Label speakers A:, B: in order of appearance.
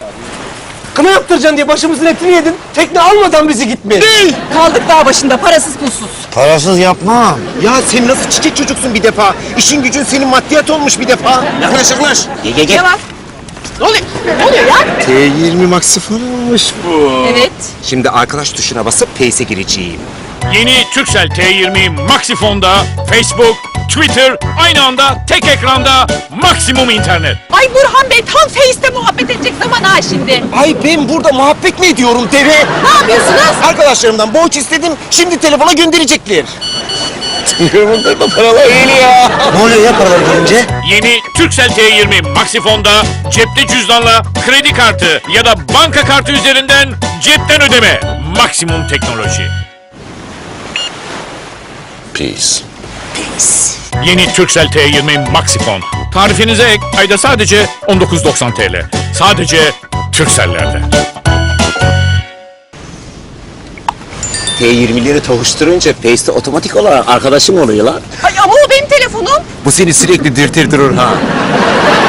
A: Kına yaptıracaksın diye başımızın etini yedin. Tekne almadan bizi gitme.
B: Kaldık dağ başında parasız pulsuz.
C: Parasız yapmam.
D: Ya sen nasıl çiçek çocuksun bir defa? İşin gücün senin maddiyat olmuş bir defa. Yaklaş yaklaş. Gel.
B: Ne var?
D: Ne oluyor?
B: Ne oluyor ya?
D: T20 Maxi falanmış bu.
B: Evet.
D: Şimdi arkadaş tuşuna basıp Pace'e gireceğim.
E: Yeni Turkcell T20 Maxifon'da Facebook, Twitter, aynı anda tek ekranda maksimum internet.
B: Ay Burhan Bey tam Face'te muhabbet edecek zaman ha şimdi.
D: Ay ben burada muhabbet mi ediyorum deve?
B: Ne yapıyorsunuz?
D: Arkadaşlarımdan borç istedim, şimdi telefona gönderecekler. Bunlar da paralar geliyor.
C: Ne oluyor ya paralar gelince?
E: Yeni Turkcell T20 Maxifon'da cepte cüzdanla kredi kartı ya da banka kartı üzerinden cepten ödeme. Maksimum teknoloji.
C: Peace.
E: Yeni Turkcell T20 Maxifon. Tarifinize ek ayda sadece 19.90 TL. Sadece Turkcell'lerde.
D: T20'leri tavuşturunca Pace'te otomatik olarak arkadaşım oluyor lan.
B: Ay ama o benim telefonum.
D: Bu seni sürekli dürtür durur ha.